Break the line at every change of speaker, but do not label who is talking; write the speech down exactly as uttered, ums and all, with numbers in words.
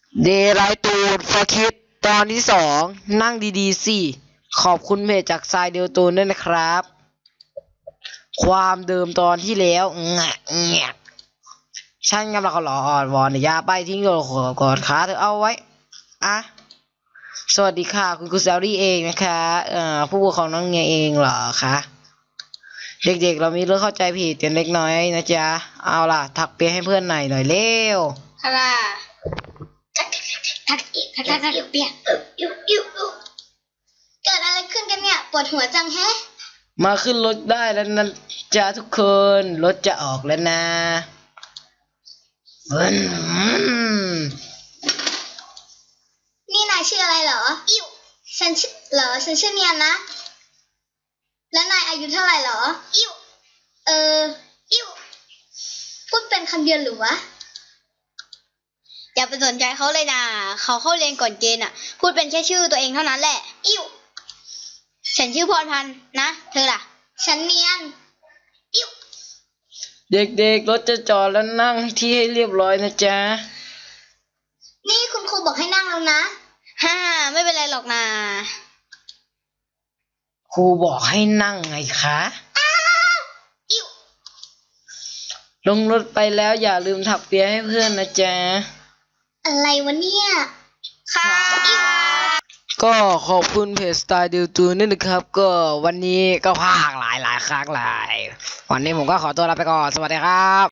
เดย์ไลท์ตูดฟอร์คิดตอนที่สองนั่งดีๆสิขอบคุณเพจจากทรายเดลตูนด้วยนะครับ ความเดิมตอนที่แล้วแงะแงะฉันกำลังขอรออ่อนวอนอย่าไปทิ้งโยนกอดขาเธอเอาไว้อะสวัสดีค่ะคุณกุซารี่เองนะคะเอ่อผู้ปกครองน้องเงียเองเหรอคะเด็กๆเรามีเรื่องเข้าใจผิดกันเล็กน้อยนะจ๊ะเอาล่ะถักเปียให้เพื่อนหน่อยหน่อยเร็ว
อะไรทักทักอีกทักทักทักเปียกอิ๊วอิ๊วอิ๊วเกิดอะไรขึ้นกันเนี่ยปวดหัวจังแฮะ
มาขึ้นรถได้แล้วนะจ๊ะทุกคนรถจะออกแล้วนะอืม
นี่นายชื่ออะไรเหรออิ๊วฉันชื่อเหรอฉันชื่อเนียนนะแล้วนายอายุเท่าไหร่เหรออิ๊วเอออิ๊วพูดเป็นคำเดียวหรือวะอย่าไปสนใจเขาเลยนะเขาเข้าเรียนก่อนเกณฑ์อ่ะพูดเป็นแค่ชื่อตัวเองเท่านั้นแหละอิ๊วฉันชื่อพรพันธ์นะเธอล่ะฉันเนียนอิ๊ว
เด็กๆรถจะจอดแล้วนั่งที่ให้เรียบร้อยนะจ๊ะ
นี่คุณครูบอกให้นั่งแล้วนะฮ่าไม่เป็นไรหรอกนะ
ครูบอกให้นั่งไงคะ
อิ๊ว
ลงรถไปแล้วอย่าลืมถักเปียให้เพื่อนนะจ๊ะ
อะไรวะเนี่ยค่ะอิ๊ว
ก็ขอบคุณเพจสไตล์ดิวตูนนี่นะครับ ก็วันนี้ก็พากหลายหลายครั้งหลายวันนี้ผมก็ขอตัวลาไปก่อนสวัสดีครับ